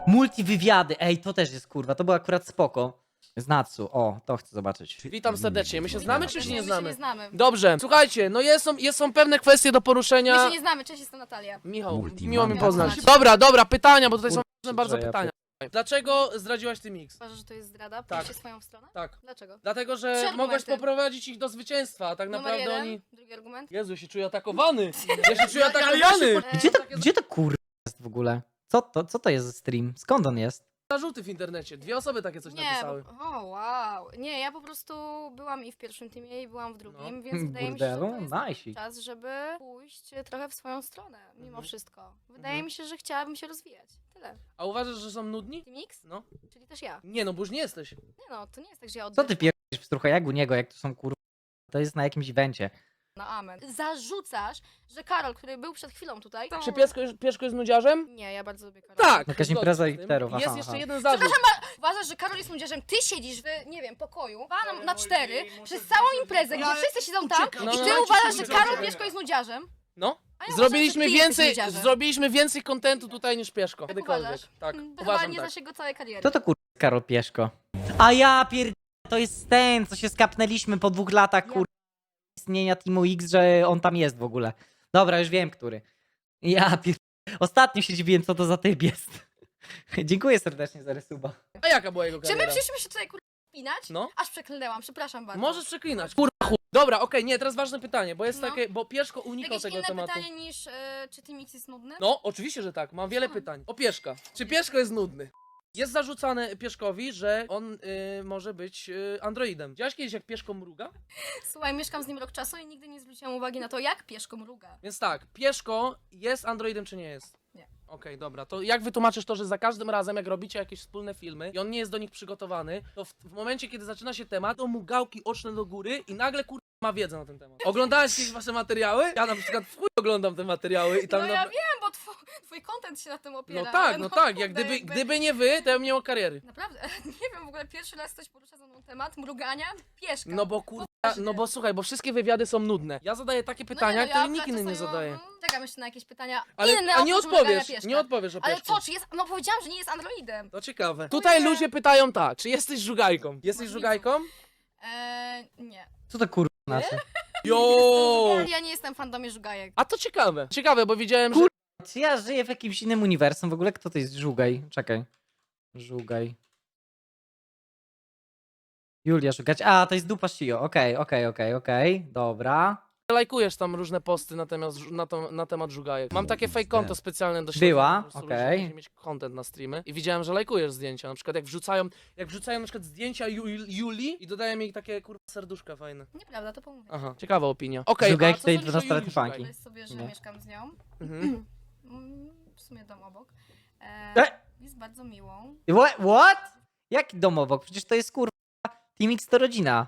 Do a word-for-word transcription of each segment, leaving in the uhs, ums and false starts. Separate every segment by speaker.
Speaker 1: Multiwywiady, ej, to też jest kurwa, to było akurat spoko. Z Natsu, o, to chcę zobaczyć.
Speaker 2: Witam serdecznie. My się znamy czy się nie
Speaker 3: My się
Speaker 2: znamy?
Speaker 3: nie znamy.
Speaker 2: Dobrze, słuchajcie, no jest, są, jest, są pewne kwestie do
Speaker 3: My
Speaker 2: poruszenia.
Speaker 3: się nie znamy, cześć, jestem Natalia.
Speaker 2: Michał,
Speaker 4: Multi
Speaker 2: miło mi
Speaker 4: mama.
Speaker 2: poznać.
Speaker 3: Poznać.
Speaker 2: Dobra, dobra, pytania, bo tutaj są
Speaker 1: Kurczę,
Speaker 2: ważne bardzo
Speaker 1: ja
Speaker 2: pytania. Dlaczego zdradziłaś ty mix?
Speaker 3: Uważasz, że to jest zdrada?
Speaker 2: Tak.
Speaker 3: Pójście swoją stronę?
Speaker 2: Tak.
Speaker 3: Dlaczego?
Speaker 2: Dlatego,
Speaker 3: Trzy
Speaker 2: że
Speaker 3: argumenty.
Speaker 2: mogłaś poprowadzić ich do zwycięstwa, a tak
Speaker 3: Numer
Speaker 2: naprawdę
Speaker 3: jeden,
Speaker 2: oni...
Speaker 3: drugi argument.
Speaker 2: Jezu, ja się czuję atakowany! Ja się czuję
Speaker 3: E,
Speaker 2: atakowany!
Speaker 1: Gdzie to, gdzie to kurwa jest w ogóle? Co to, co to jest za stream? Skąd on jest?
Speaker 2: Zarzuty w internecie, dwie osoby takie coś
Speaker 3: Nie,
Speaker 2: napisały.
Speaker 3: bo, o wow. Nie, ja po prostu byłam i w pierwszym teamie i byłam w drugim,
Speaker 2: No.
Speaker 3: więc wydaje mi się, że
Speaker 1: Burdelu?
Speaker 3: to jest
Speaker 1: Najsik.
Speaker 3: czas, żeby pójść trochę w swoją stronę, mimo
Speaker 2: Mhm.
Speaker 3: wszystko. Wydaje
Speaker 2: Mhm.
Speaker 3: mi się, że chciałabym się rozwijać. Tyle.
Speaker 2: A uważasz, że są nudni?
Speaker 3: Team X?
Speaker 2: No.
Speaker 3: Czyli też ja.
Speaker 2: Nie, no bo już nie jesteś.
Speaker 3: Nie no, to nie jest tak, że ja
Speaker 1: Co
Speaker 3: oddycham
Speaker 1: ty pierdolisz w strucha, jak u niego, jak to są kurwa? To jest na jakimś evencie.
Speaker 3: na amen. Zarzucasz, że Karol, który był przed chwilą tutaj... To...
Speaker 2: Czy Pieszko, jest- Pieszko jest nudziarzem?
Speaker 3: Nie, ja bardzo lubię Karola.
Speaker 2: Tak!
Speaker 1: Jakaś
Speaker 2: zgodzę
Speaker 1: impreza
Speaker 2: się z tym.
Speaker 1: hipsterów,
Speaker 2: Jest
Speaker 1: aha,
Speaker 2: jeszcze
Speaker 1: aha.
Speaker 2: jeden zarzut.
Speaker 3: Uważasz, że Karol jest młodzieżem, ty siedzisz w, nie wiem, pokoju, panom na cztery, przez całą imprezę, gdzie wszyscy siedzą tam
Speaker 2: No,
Speaker 3: i
Speaker 2: no,
Speaker 3: ty
Speaker 2: no.
Speaker 3: uważasz, że Karol Pieszko jest nudziarzem?
Speaker 2: No.
Speaker 3: A ja
Speaker 2: Zrobiliśmy
Speaker 3: uważam, że ty
Speaker 2: więcej,
Speaker 3: jesteś nudziarzem.
Speaker 2: zrobiliśmy więcej kontentu tutaj niż Pieszko.
Speaker 3: Tak
Speaker 2: Kiedykolwiek.
Speaker 3: uważasz?
Speaker 2: Tak,
Speaker 3: Hmm, to
Speaker 2: uważam
Speaker 3: chyba nie
Speaker 2: tak.
Speaker 3: znasz jego całej kariery.
Speaker 1: Kto to kurwa jest Karol Pieszko? A ja pierd... To jest ten, co się skapnęliśmy po dwóch latach
Speaker 3: Ja-
Speaker 1: kurwa istnienia Teamu X, że on tam jest w ogóle. Dobra, już wiem, który. Ja pierd... Ostatnio się dziwiłem, co to za typ jest. Dziękuję serdecznie za resuba.
Speaker 2: A jaka była jego
Speaker 3: Czy my
Speaker 2: kariera?
Speaker 3: przyszliśmy się tutaj kurwa spinać?
Speaker 2: No.
Speaker 3: Aż przeklnęłam, przepraszam bardzo.
Speaker 2: Możesz przeklinać. Kurwa chuj. Dobra, okej, nie, teraz ważne pytanie, bo jest
Speaker 3: No.
Speaker 2: takie, bo Pieszko unikał
Speaker 3: Jakieś
Speaker 2: tego
Speaker 3: inne
Speaker 2: tematu.
Speaker 3: pytanie niż, e, czy Team X jest nudny?
Speaker 2: No, oczywiście, że tak. Mam wiele
Speaker 3: Co?
Speaker 2: pytań. O Pieszka. Czy Pieszko jest nudny? Jest zarzucane Pieszkowi, że on y, może być y, androidem. Widziałeś kiedyś, jak Pieszko mruga?
Speaker 3: Słuchaj, mieszkam z nim rok czasu i nigdy nie zwróciłam uwagi na to, jak Pieszko mruga.
Speaker 2: Więc tak, Pieszko jest androidem czy nie jest?
Speaker 3: Nie.
Speaker 2: Okej, dobra. To jak wytłumaczysz to, że za każdym razem, jak robicie jakieś wspólne filmy i on nie jest do nich przygotowany, to w, w momencie, kiedy zaczyna się temat, to mu gałki oczne do góry i nagle kur... ma wiedzę na ten temat. Oglądałeś jakieś wasze materiały? Ja na przykład w chuj oglądam te materiały i tam...
Speaker 3: No
Speaker 2: na...
Speaker 3: ja wiem, bo twój, twój content się na tym opiera.
Speaker 2: No tak,
Speaker 3: ale
Speaker 2: no tak, jak
Speaker 3: kurde,
Speaker 2: gdyby,
Speaker 3: jakby-
Speaker 2: gdyby nie wy, to ja bym nie miał kariery.
Speaker 3: Naprawdę, nie wiem, w ogóle pierwszy raz ktoś porusza ze mną temat mrugania Pieszka.
Speaker 2: No bo kurwa,
Speaker 3: Poważnie.
Speaker 2: no bo słuchaj, bo wszystkie wywiady są nudne. Ja zadaję takie pytania,
Speaker 3: no nie, no,
Speaker 2: które
Speaker 3: ja
Speaker 2: nikt inny nie
Speaker 3: wlecę
Speaker 2: zadaje.
Speaker 3: swoją- mm, Czekam jeszcze na jakieś pytania
Speaker 2: Ale
Speaker 3: inne
Speaker 2: a nie
Speaker 3: oprócz mrugania
Speaker 2: odpowiesz,
Speaker 3: Pieszka.
Speaker 2: nie odpowiesz o
Speaker 3: Ale
Speaker 2: Pieszku.
Speaker 3: co, czy jest... No powiedziałam, że nie jest androidem.
Speaker 2: To ciekawe. Tutaj
Speaker 3: nie.
Speaker 2: ludzie pytają tak, czy jesteś żugajką? Jesteś
Speaker 3: Możliwe.
Speaker 2: żugajką?
Speaker 3: Eee, nie.
Speaker 1: Co to kurwa znaczy?
Speaker 2: Jo!
Speaker 3: Ja nie jestem fandomie żugajek.
Speaker 2: A to ciekawe. Ciekawe, bo widziałem, że...
Speaker 1: Kur- Czy ja żyję w jakimś innym uniwersum? W ogóle kto to jest Żugaj? Czekaj. Żugaj. Julia szukać. A, to jest dupa Shio. Okej, okej, okej, okej. Dobra.
Speaker 2: lajkujesz tam różne posty na temat, na, to, na temat żugajek. Mam takie fake konto specjalne do śledzenia,
Speaker 1: Była,
Speaker 2: po prostu
Speaker 1: okej.
Speaker 2: ludzie muszą mieć content na streamy i widziałem, że lajkujesz zdjęcia. Na przykład jak wrzucają, jak wrzucają na przykład zdjęcia Ju, Julii i dodają jej takie kurwa serduszka fajne.
Speaker 3: Nieprawda, to pomówię.
Speaker 2: Aha, ciekawa opinia. Okej,
Speaker 1: Żugajek
Speaker 2: a co
Speaker 1: tej
Speaker 2: sądzisz o Julii
Speaker 1: dwunastoletniej
Speaker 2: Żugaj?
Speaker 1: fanki.
Speaker 3: Weź sobie, że
Speaker 1: Nie.
Speaker 3: mieszkam z nią.
Speaker 2: Mhm.
Speaker 3: Mm, w sumie dom obok. E,
Speaker 1: E?
Speaker 3: Jest bardzo miłą.
Speaker 1: What? What? Jaki dom obok? Przecież to jest kurwa Team X to rodzina.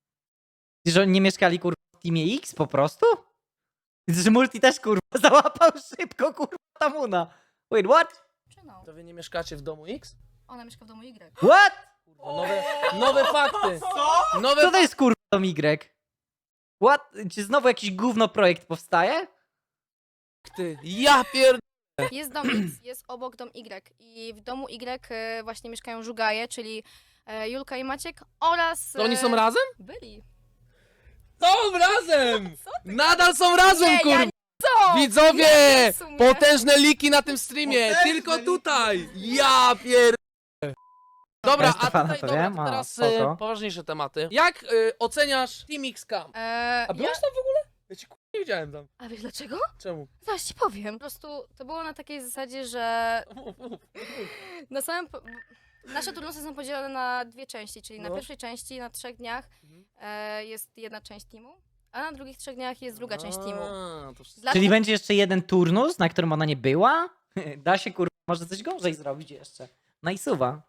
Speaker 1: Że oni nie mieszkali kurwa w Teamie X po prostu? Widzę, że Multi też kurwa załapał szybko kurwa Tamuna. Wait, what?
Speaker 3: Czy no?
Speaker 2: To wy nie mieszkacie w domu X?
Speaker 3: Ona mieszka w domu Y.
Speaker 1: What?
Speaker 2: Kurwa, nowe, nowe fakty! Nowe
Speaker 1: Co to jest kurwa dom Y? What? Czy znowu jakiś gówno projekt powstaje?
Speaker 2: fakty! Ja pier...
Speaker 3: Jest dom X, jest obok dom Y. I w domu Y e, właśnie mieszkają żugaje, czyli e, Julka i Maciek oraz...
Speaker 2: To oni
Speaker 3: e,
Speaker 2: są razem?
Speaker 3: Byli.
Speaker 2: Są razem! Nadal są razem,
Speaker 3: Nie,
Speaker 2: kurwa!
Speaker 3: ja Co?
Speaker 2: Widzowie!
Speaker 3: Nie, w sumie.
Speaker 2: Potężne liki na tym streamie! Tylko tutaj! Ja pier... Dobra,
Speaker 1: Ja
Speaker 2: a
Speaker 1: Stefana
Speaker 2: tutaj
Speaker 1: to
Speaker 2: dobra,
Speaker 1: wiem,
Speaker 2: to
Speaker 1: a,
Speaker 2: teraz
Speaker 1: spoko.
Speaker 2: y, poważniejsze tematy. Jak y, oceniasz Team X Camp?
Speaker 3: E,
Speaker 2: A byłeś
Speaker 3: ja...
Speaker 2: tam w ogóle? Ja ci kurwa nie widziałem tam.
Speaker 3: A wiesz dlaczego?
Speaker 2: Czemu?
Speaker 3: Zaraz ci powiem. Po prostu to było na takiej zasadzie, że na samym... Po... Nasze turnusy są podzielone na dwie części, czyli na
Speaker 2: No.
Speaker 3: pierwszej części, na trzech dniach
Speaker 2: Mhm.
Speaker 3: e, jest jedna część teamu, a na drugich trzech dniach jest druga część teamu.
Speaker 2: A, to wszystko.
Speaker 3: Dla-
Speaker 1: Czyli będzie jeszcze jeden turnus, na którym ona nie była? Da się kurwa, może coś gorzej zrobić jeszcze. Najsuwa.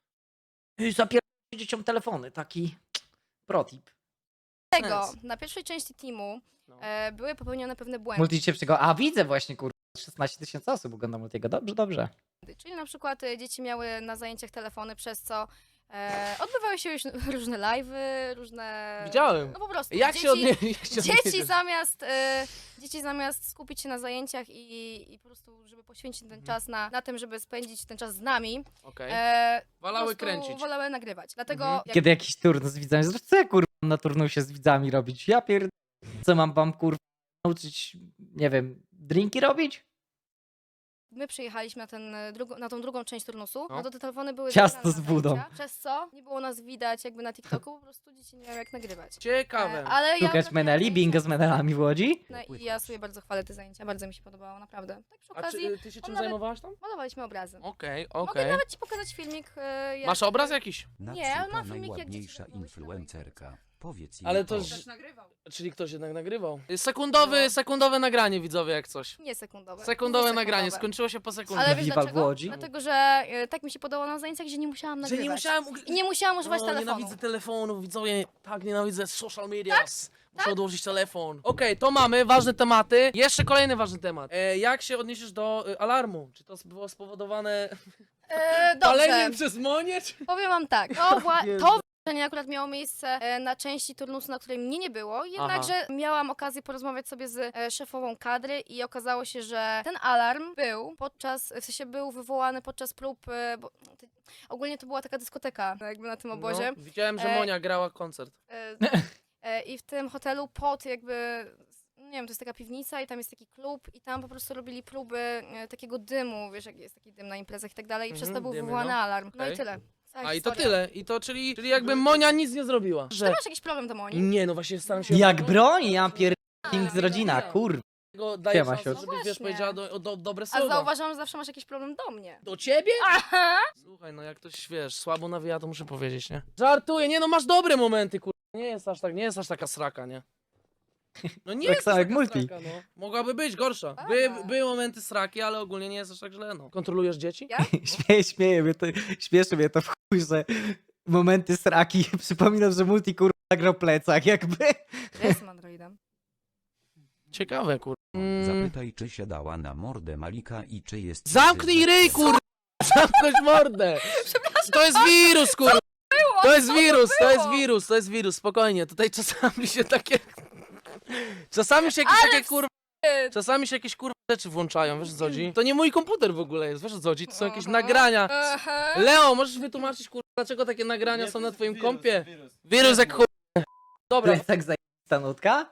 Speaker 1: I zapierdolę dzieciom telefony, taki protip.
Speaker 3: Tego,
Speaker 2: Sens.
Speaker 3: na pierwszej części teamu
Speaker 2: No.
Speaker 3: e, były popełnione pewne błędy,
Speaker 1: Multi cię przygo... A widzę właśnie kurwa, szesnaście tysięcy osób ogląda Multiego. Dobrze, dobrze.
Speaker 3: czyli na przykład e, dzieci miały na zajęciach telefony, przez co E, odbywały się już różne live'y, różne...
Speaker 2: Widziałem.
Speaker 3: No po prostu.
Speaker 2: Jak
Speaker 3: dzieci,
Speaker 2: się odnie... jak się
Speaker 3: Dzieci
Speaker 2: odniesiesz?
Speaker 3: zamiast, e, dzieci zamiast skupić się na zajęciach i, i po prostu, żeby poświęcić ten czas na, na tym, żeby spędzić ten czas z nami,
Speaker 2: Okej.
Speaker 3: e, po
Speaker 2: Wolały
Speaker 3: prostu
Speaker 2: kręcić.
Speaker 3: wolały nagrywać. Dlatego
Speaker 2: Mhm.
Speaker 3: jak
Speaker 1: Kiedy jakiś turnus z widzami, zresztą co ja kurwa mam na turnusie z widzami robić? Ja pierd... Co mam wam kurwa nauczyć, nie wiem, drinki robić?
Speaker 3: my przyjechaliśmy na, ten, e, drugo, na tą drugą część turnusu,
Speaker 2: No.
Speaker 3: no to te telefony były
Speaker 1: Ciasto
Speaker 3: zabierane
Speaker 1: z
Speaker 3: na
Speaker 1: budą.
Speaker 3: zajęcia, przez co nie było nas widać jakby na TikToku, po prostu dzieci nie miały jak nagrywać.
Speaker 2: Ciekawe.
Speaker 3: E, ale ja
Speaker 1: Szukać
Speaker 3: trafiłam
Speaker 1: meneli,
Speaker 3: na
Speaker 1: bingo z
Speaker 3: zajęcia
Speaker 1: menelami w Łodzi?
Speaker 3: no i ja sobie bardzo chwalę te zajęcia, bardzo mi się podobało, naprawdę. Tak przy
Speaker 2: A
Speaker 3: okazji
Speaker 2: czy, ty się czym
Speaker 3: nawet-
Speaker 2: zajmowałaś tam?
Speaker 3: malowaliśmy obrazy.
Speaker 2: Okej,
Speaker 3: Mogę
Speaker 2: okej.
Speaker 3: nawet ci pokazać filmik. e, Jak...
Speaker 2: Masz obraz jakiś?
Speaker 3: Nie, ale
Speaker 4: Natsuko,
Speaker 3: mam filmik, jak dzieci
Speaker 4: najładniejsza
Speaker 3: robią się na
Speaker 4: influencerka. Powiedz jej
Speaker 2: Ale to
Speaker 4: to.
Speaker 2: ż- Czyli ktoś jednak nagrywał. Sekundowy, sekundowe nagranie, widzowie, jak coś.
Speaker 3: Nie sekundowe.
Speaker 2: Sekundowe
Speaker 3: nie
Speaker 2: nagranie,
Speaker 3: sekundowe.
Speaker 2: skończyło się po sekundzie.
Speaker 3: Ale wiesz
Speaker 1: Wiwal w
Speaker 3: dlaczego?
Speaker 1: Łodzi?
Speaker 3: Dlatego, że e, tak mi się podobało na zajęciach, że nie musiałam
Speaker 2: Że
Speaker 3: nagrywać.
Speaker 2: nie musiałem... ug-
Speaker 3: I nie musiałam używać
Speaker 2: o,
Speaker 3: telefonu.
Speaker 2: nienawidzę telefonów, widzowie, tak nienawidzę social medias. Muszę odłożyć telefon. Okej, to mamy, ważne tematy. Jeszcze kolejny ważny temat. E, jak się odniesiesz do e, alarmu? Czy to było spowodowane
Speaker 3: E,
Speaker 2: paleniem
Speaker 3: dobrze,
Speaker 2: przez Monię? Czy...
Speaker 3: powiem wam tak. To, wła-
Speaker 2: Jezu.
Speaker 3: to wydarzenie akurat miało miejsce e, na części turnusu, na której mnie nie było. Jednakże miałam okazję porozmawiać sobie z e, szefową kadry i okazało się, że ten alarm był podczas, w sensie był wywołany podczas prób, e, bo to, ogólnie to była taka dyskoteka jakby na tym obozie.
Speaker 2: No, widziałem, że
Speaker 3: E,
Speaker 2: Monia grała koncert.
Speaker 3: E, e, I w tym hotelu pod jakby, nie wiem, to jest taka piwnica i tam jest taki klub i tam po prostu robili próby e, takiego dymu, wiesz jak jest taki dym na imprezach i tak dalej i przez to
Speaker 2: Mhm,
Speaker 3: był
Speaker 2: dymy,
Speaker 3: wywołany
Speaker 2: no.
Speaker 3: alarm. No
Speaker 2: Okej.
Speaker 3: i tyle. Cała
Speaker 2: A i to
Speaker 3: historia.
Speaker 2: tyle. I to czyli, czyli jakby Monia nic nie zrobiła.
Speaker 3: Ty
Speaker 2: Że...
Speaker 3: masz jakiś problem do Moni?
Speaker 2: Nie, no właśnie staram się...
Speaker 1: Jak broni, ja pierd... Team z
Speaker 2: A,
Speaker 1: rodzina,
Speaker 2: ja.
Speaker 1: kurwa.
Speaker 2: Go daję
Speaker 1: Siema,
Speaker 2: szansę,
Speaker 1: siostro.
Speaker 2: żebyś,
Speaker 3: No
Speaker 2: wiesz,
Speaker 3: właśnie.
Speaker 2: powiedziała do, do, dobre
Speaker 3: A
Speaker 2: słowa.
Speaker 3: zauważam, że zawsze masz jakiś problem do mnie.
Speaker 2: Do ciebie?
Speaker 3: Aha!
Speaker 2: Słuchaj, no jak ktoś, wiesz, słabo nawija, to muszę powiedzieć, nie? Żartuję, nie no, masz dobre momenty, kur... Nie jest aż tak, nie jest aż taka sraka, nie? No nie
Speaker 1: Tak
Speaker 2: jest
Speaker 1: samo
Speaker 2: aż
Speaker 1: jak
Speaker 2: taka
Speaker 1: multi.
Speaker 2: Sraka, no. Mogłaby być gorsza. By,
Speaker 3: Aha.
Speaker 2: były momenty sraki, ale ogólnie nie jest aż tak źle, no. Kontrolujesz dzieci?
Speaker 3: Ja?
Speaker 1: Śmieje, śmieje mnie to, śmieszy mnie to w chuj, że momenty sraki, przypominam, że multi kurwa nagrał plecak jakby.
Speaker 3: Ja jestem androidem.
Speaker 2: Ciekawe, kur... Mm.
Speaker 4: Zapytaj, czy siadała na mordę Malika i czy jest...
Speaker 2: Zamknij ryj, kur... Zamknąć mordę! To jest wirus, kur... To jest wirus, to jest wirus, to jest wirus, spokojnie. Tutaj czasami się takie... Czasami się jakieś
Speaker 3: Ale
Speaker 2: takie kur... Czasami się jakieś kur... rzeczy włączają, wiesz o co chodzi? To nie mój komputer w ogóle jest, wiesz o co chodzi? To są jakieś
Speaker 3: Aha.
Speaker 2: nagrania.
Speaker 3: Aha.
Speaker 2: Leo, możesz wytłumaczyć, kur... dlaczego takie nagrania są na twoim kompie? Wirus jak kur... Dobra,
Speaker 1: Plecak zajebista nutka?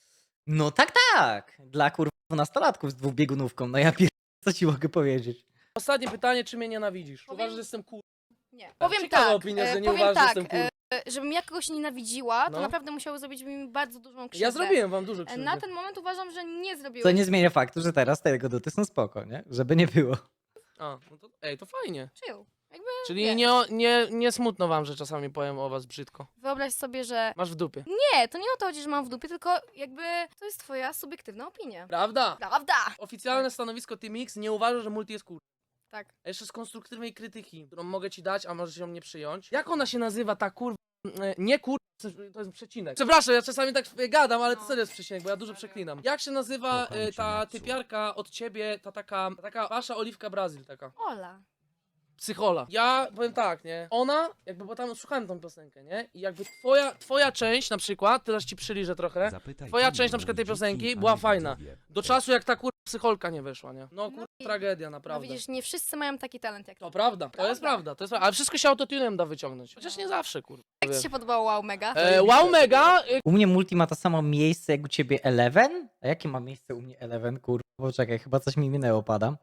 Speaker 1: No tak, tak. Dla kurwa dwunastolatków z dwubiegunówką, no ja pierd... co ci mogę powiedzieć?
Speaker 2: ostatnie pytanie, czy mnie nienawidzisz?
Speaker 3: Powiem-
Speaker 2: Uważasz, że jestem kur...
Speaker 3: Nie. Powiem
Speaker 2: Ciekawa
Speaker 3: tak,
Speaker 2: opinia,
Speaker 3: e,
Speaker 2: że nie
Speaker 3: powiem
Speaker 2: uważasz, że
Speaker 3: tak,
Speaker 2: jestem kur...
Speaker 3: e, żebym ja kogoś nienawidziła, to
Speaker 2: No.
Speaker 3: naprawdę musiało zrobić mi bardzo dużą krzywdę.
Speaker 2: Ja zrobiłem wam dużo
Speaker 3: E,
Speaker 2: krzywdy.
Speaker 3: Na ten moment uważam, że nie zrobiłeś.
Speaker 1: Co nie zmienia faktu, że teraz te jego duty są spoko, nie? Żeby nie było.
Speaker 2: A, no to... Ej, to fajnie.
Speaker 3: Chill. Jakby,
Speaker 2: Czyli
Speaker 3: wiesz,
Speaker 2: nie, nie, nie smutno wam, że czasami powiem o was brzydko.
Speaker 3: Wyobraź sobie, że
Speaker 2: Masz w dupie.
Speaker 3: nie, to nie o to chodzi, że mam w dupie, tylko jakby to jest twoja subiektywna opinia.
Speaker 2: Prawda?
Speaker 3: Prawda?
Speaker 2: Oficjalne stanowisko Team X nie uważa, że multi jest kur...
Speaker 3: Tak.
Speaker 2: A jeszcze z konstruktywnej krytyki, którą mogę ci dać, a możesz ją nie przyjąć. Jak ona się nazywa, ta kur... e, Nie kur... to jest przecinek. Przepraszam, ja czasami tak gadam, ale to serio jest przecinek, bo ja dużo przeklinam. Jak się nazywa
Speaker 4: Kocham
Speaker 2: e,
Speaker 4: cię,
Speaker 2: ta
Speaker 4: Natsu.
Speaker 2: typiarka od ciebie, ta taka, ta taka wasza Oliwka Brazil, taka
Speaker 3: Ola.
Speaker 2: psychola. Ja powiem tak, nie? Ona, jakby, bo tam słuchałem tą piosenkę, nie? I jakby twoja, twoja część na przykład, teraz ci przyliżę trochę,
Speaker 4: Zapytaj,
Speaker 2: Twoja
Speaker 4: czy
Speaker 2: część na
Speaker 4: nie
Speaker 2: przykład tej
Speaker 4: lubi
Speaker 2: piosenki
Speaker 4: dzieci,
Speaker 2: była
Speaker 4: a nie
Speaker 2: fajna.
Speaker 4: widzowie.
Speaker 2: do czasu jak ta kur... psycholka nie weszła, nie? No kur...
Speaker 3: No i-
Speaker 2: tragedia,
Speaker 3: No
Speaker 2: naprawdę.
Speaker 3: widzisz, nie wszyscy mają taki talent jak ty.
Speaker 2: To prawda, to jest
Speaker 3: Prawda.
Speaker 2: prawda, to jest prawda. Ale wszystko się autotunem da wyciągnąć. Chociaż nie zawsze, kur...
Speaker 3: Jak ci się podobało Wow Mega?
Speaker 2: E, wow mega, e,
Speaker 1: U mnie multi ma to samo miejsce jak u ciebie Eleven? A jakie ma miejsce u mnie Eleven, kurwa? Bo czekaj, chyba coś mi minęło, padam.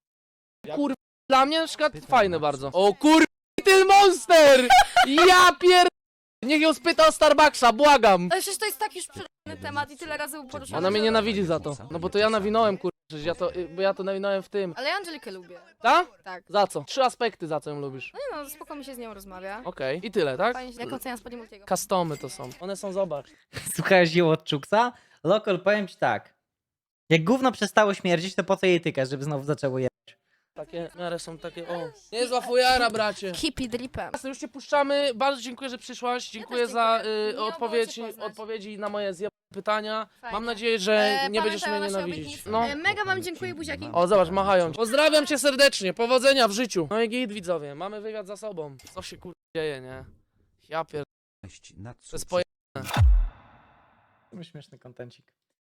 Speaker 2: kur... Dla mnie na przykład
Speaker 4: Pytam
Speaker 2: fajne
Speaker 4: na
Speaker 2: bardzo.
Speaker 4: co.
Speaker 2: O kur... Little Monster! Ja pier... Niech ją spyta o Starbucksa, błagam!
Speaker 3: Ale przecież to jest tak już przerwany temat i tyle razy był poruszany.
Speaker 2: Ona mnie
Speaker 3: że-
Speaker 2: nienawidzi za to. No bo to ja nawinąłem, kur... Przecież ja to, y, bo ja to nawinąłem w tym.
Speaker 3: Ale ja Angelikę lubię.
Speaker 2: Tak?
Speaker 3: Tak.
Speaker 2: Za co? Trzy aspekty, za co ją lubisz.
Speaker 3: No nie no, spoko mi się z nią rozmawia.
Speaker 2: Okej. I tyle, tak?
Speaker 3: Fajnie się, jak oceniam spodnie Multiego.
Speaker 2: Customy to są. One są, zobacz.
Speaker 1: Słuchałeś ją od Czuksa? Lokal, powiem ci tak. Jak gówno przestało śmierdzić, to po co je tykasz, żeby znowu zaczęło je...
Speaker 2: Takie, w miarę są takie, o. Niezła fujara, bracie.
Speaker 3: Keep it dripem.
Speaker 2: Jasne, już cię puszczamy. Bardzo dziękuję, że przyszłaś. Dziękuję
Speaker 3: też
Speaker 2: za
Speaker 3: dziękuję.
Speaker 2: y,
Speaker 3: Miło było
Speaker 2: odpowiedzi,
Speaker 3: cię poznać.
Speaker 2: odpowiedzi na moje zjebane pytania.
Speaker 3: Fajnie.
Speaker 2: Mam nadzieję, że
Speaker 3: E,
Speaker 2: nie będziesz
Speaker 3: pamiętaj
Speaker 2: mnie
Speaker 3: o naszej
Speaker 2: nienawidzić.
Speaker 3: obietnicy.
Speaker 2: No.
Speaker 3: E, mega wam dziękuję, buziaki.
Speaker 2: O, zobacz, machają. Pozdrawiam cię serdecznie. Powodzenia w życiu. No i git, widzowie. Mamy wywiad za sobą. Co się kur... dzieje, nie? Ja pier...
Speaker 4: Na
Speaker 2: To jest poje...
Speaker 1: Śmieszny kontencik.